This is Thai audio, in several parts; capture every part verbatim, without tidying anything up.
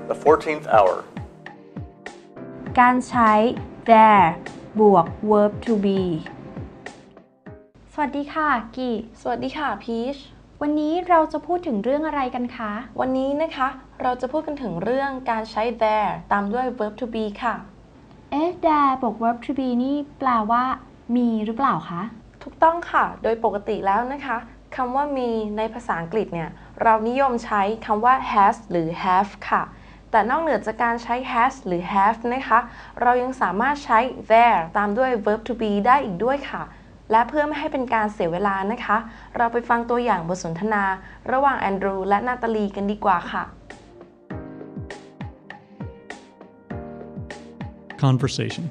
The fourteenth hour. การใช้ there บวก verb to be สวัสดีค่ะกีสวัสดีค่ะพีชวันนี้เราจะพูดถึงเรื่องอะไรกันคะวันนี้นะคะเราจะพูดกันถึงเรื่องการใช้ there ตามด้วย verb to be ค่ะเอ๊ะ there บวก verb to be นี่แปลว่ามีหรือเปล่าคะถูกต้องค่ะโดยปกติแล้วนะคะคำว่ามีในภาษาอังกฤษเนี่ยเรานิยมใช้คำว่า has หรือ have ค่ะแต่นอกเหนือจากการใช้ has หรือ have นะคะเรายังสามารถใช้ there ตามด้วย verb to be ได้อีกด้วยค่ะและเพื่อไม่ให้เป็นการเสียเวลานะคะเราไปฟังตัวอย่างบทสนทนาระหว่างแอนดรูและนาตาลีกันดีกว่าค่ะ Conversation.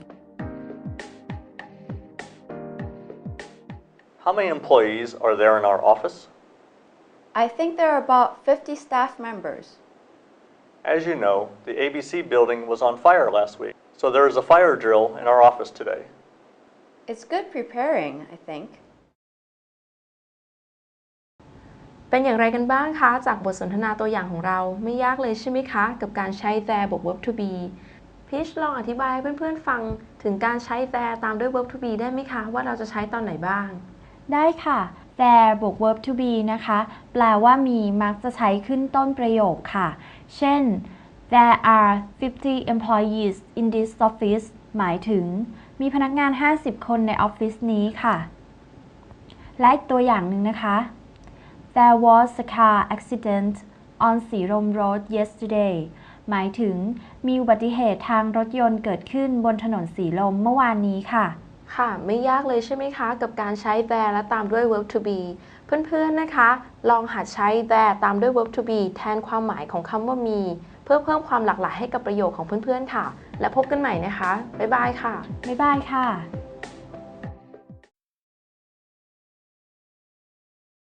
How many employees are there in our office? I think there are about fifty staff members. As you know, the A B C building was on fire last week, so there is a fire drill in our office today. It's good preparing, I think. เป็นอย่างไรกันบ้างคะจากบทสนทนาตัวอย่างของเราไม่ยากเลยใช่ไหมคะกับการใช้ there บวก verb to be พีชลองอธิบายให้เพื่อนๆฟังถึงการใช้ there ตามด้วย verb to be ได้ไหมคะว่าเราจะใช้ตอนไหนบ้างได้ค่ะ there บวก verb to be นะคะแปลว่ามีมักจะใช้ขึ้นต้นประโยคค่ะเช่น there are fifty employees in this office หมายถึงมีพนักงานห้าสิบคนในออฟฟิศนี้ค่ะและอีกตัวอย่างหนึ่งนะคะ there was a car accident on สีลม road yesterday หมายถึงมีอุบัติเหตุทางรถยนต์เกิดขึ้นบนถนนสีลมเมื่อวานนี้ค่ะค่ะไม่ยากเลยใช่ไหมคะกับการใช้ there และตามด้วย verb to be เพื่อนๆนะคะลองหัดใช้ there ตามด้วย verb to be แทนความหมายของคำว่ามีเพื่อเพิ่มความหลากหลายให้กับประโยคของเพื่อนๆค่ะและพบกันใหม่นะคะบ๊ายบายค่ะบ๊ายบายค่ะ